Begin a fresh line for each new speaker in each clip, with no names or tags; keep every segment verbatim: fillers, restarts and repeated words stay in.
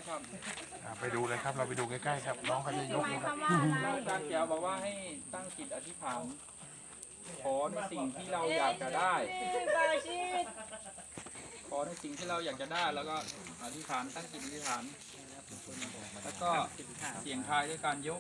นะครับ
อ่าไปดูเลยครับเราไปดูใกล้ๆครับน้องเขาจะยกนะครับ
อาจารย์แจ๋วบอกว่าให้ตั้งจิตอธิษฐานขอในสิ่งที่เราอยากจะได้ ขอในสิ่งที่เราอยากจะได้แล้วก็อธิษฐานตั้งจิตอธิษฐานแล้วก็เสียงทายด้วยการยก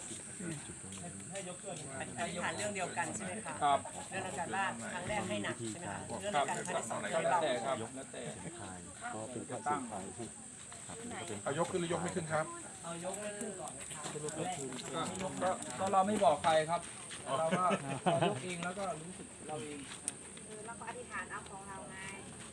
อธิษฐานเรื่องเดียวกันใช่ไหมคะ
ครับ
เรื่องการบ้านครั้งแรกให้หนักใช่ไหมคะเรื่อง
ครับ
การครั้งที่สองให้
แล้ว
เบา
แต่ครับแล้วแต่จะตั้ง
เขายกขึ้นหรือยกไม่ขึ้นครับ
เอายกไม่ขึ้นก่อนนะคะ
ก็ก็ก็เราไม่บอกใครครับเราก็เรายกเองแล้วก็รู้สึกเราเอง
เราก็อธิษฐานเอาของเราไง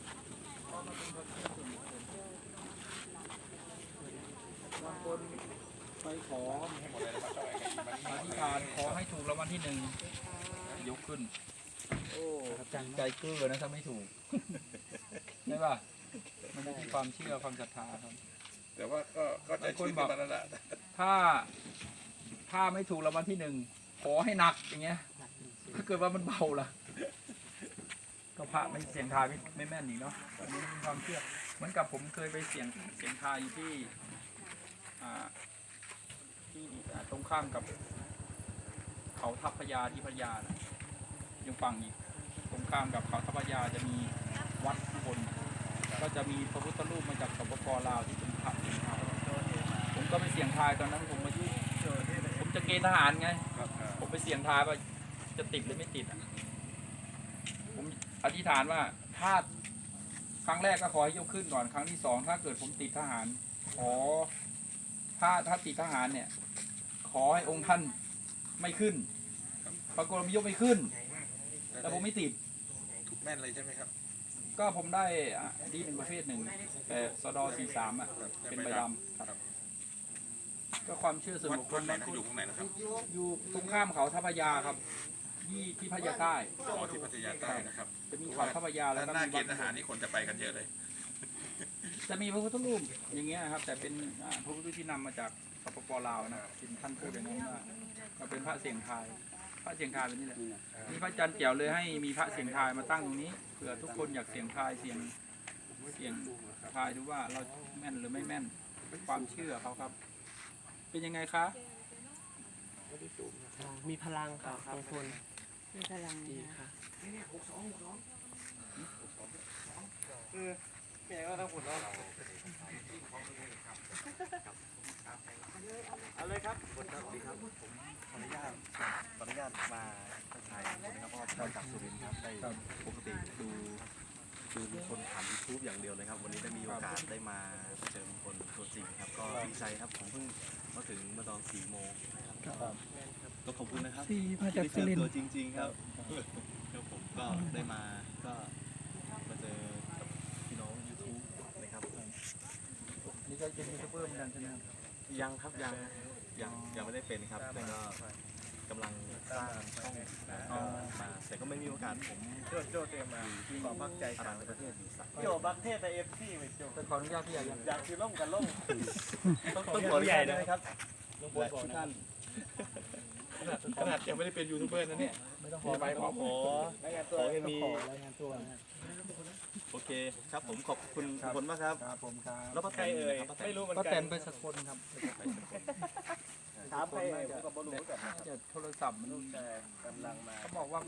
บางคนไปขออธิษฐานขอให้ถูกรางวัลที่หนึ่งยกขึ้นโอ้ใจเกลือนะถ้าไม่ถูกใช่ป่ะมันอยู่ที่ความเชื่อความศรัทธาครับ
แต่ว่าก็ก็ใจชื้นขึ้นมาแล้วล่ะ
ถ้าถ้าไม่ถูกรางวัลที่หนึ่งขอให้หนักอย่างเงี้ยถ้าเกิดว่ามันเบาล่ะก็พระไม่เสียงทายไม่ไม่แม่นอีกเนาะอันนี้เป็นความเชื่อเหมือนกับผมเคยไปเสียงเสียงทายอยู่ที่อ่าที่อ่าตรงข้ามกับเขาทัพพญาที่พญานะยังฟังอีกตรงข้ามกับเขาทัพพญาจะมีวัดข้างบนก็จะมีพระพุทธรูปมาจากสปปลาวที่เป็นพระเสียงทายผมก็ไปเสียงทายตอนนั้นผมมายุ่งผมจะเกณฑ์ทหารไง ผมไปเสี่ยงทายว่าจะติดหรือไม่ติดอ่ะผมอธิษฐานว่าถ้าครั้งแรกก็ขอให้ยกขึ้นก่อนครั้งที่สองถ้าเกิดผมติดทหาร ขอถ้าถ้าติดทหารเนี่ย ขอให้องค์ท่านไม่ขึ้นปรากฏผมยกไม่ขึ้น แต่ผมไม่ติด
ถูกแม่นเลยใช่ไหมครับ
ก็ผมได้อ่ะดีเป็นประเภทหนึ่งแต่สดสี่สามอ่ะเป็นใบดำครับก็ความเชื่อส่วน
วัด
บุคค
วั
ล
ดไหนนะอยู่ตรงไหนนะครับ
อยู่ตรงข้ามเขาทัพพญาครับที่ที่พญาใต้
อ๋อที่พัทยาใต้นะครับ
จะมีเขาทัพพญาแล้ว
ด้าน
ก็
หน้า
มี
เก
วั
ณ
ด
ฑ์ทหารนี่คนจะไปกันเยอะเลย
จะมีพระพุทธรูปอย่างเงี้ยครับ แต่เป็นอ่าพระพุทธรูปที่นำมาจากสปปลาวนะเป็นท่านพูดอย่างนั้นว่าเราเป็นพระเสียงทาย พระเสียงทายเป็นนี่แหละนี่พระอาจารย์เจียวเลยให้มีพระเสียงทายมาตั้งตรงนี้เผื่อทุกคนอยากเสียงทายเสียงเสียงทายดูว่าเราแม่นหรือไม่แม่นความเชื่อเขาครับ เป็นยังไงคะ
มีพลังค่ะบางคน
มีพลัง
ดีค่ะ
เอาเลยครับสวัสดีครับผมขออนุญาตขออนุญาตมาทักทายนะครับเพราะว่าเราจากสุรินทร์ครับได้ปกติดูดูลุงพลผ่านยูทูบอย่างเดียวเลยครับวันนี้ได้มีโอกาสได้มาเจอลุงพลตัวจริงครับก็ดีใจครับผมเพิ่งมาถึงเมื่อตอนสี่โมงนะครับก็ขอบคุณนะครับที่ได้เจอตัวจริง ๆ ครับแล้วผมก็ได้มาก็มาเจอกับพี่น้องยูทูบนะครับ
นี่ก็เป็นยูทูบเบอร์เหมือนกันใช่ไหมครับ
ยังครับยังยังยังไม่ได้เป็นครับแต่ก็กำลังสร้างช่องมาแต่ก็ไม่มีโอกาสผม
โจ้โจ้เตรียมมาขอพักใจ
อา
กั
รั
น
นประเทศอยู่สัก
โจ้บักเทศแต่เอฟซีไม่โจ้
แต่ขออนุญาตพี่ใหญ่ยัง
อยากคือล่มกันล่ม
ต้องต้องขออนุญาตด้วยนะครับ
ลุงพลบอกนะ
ท่าน
ขนาดยังไม่ได้เป็นยูทูบเบอร์นะเนี่ย
ไม่ต้องข
ข
อ
อ
ไป
ขอขอ
รายงานตัว
ขอให้มี
รายงานตัวนะ
โอเคครับผมขอบคุณทุกคนมากครับ
ครับผมครับ
แล้วป้า
ใครเอ่ยไม่รู้เหมือน
ก็
กั
แต่
น
นไปสกลครับ
ถามใครเอ่ยผมก็บ่รู้เหมือนกันนะครับ
จะโทรศัพท์มัน
ลูกแต่กำลังมา
เขาบอกว่า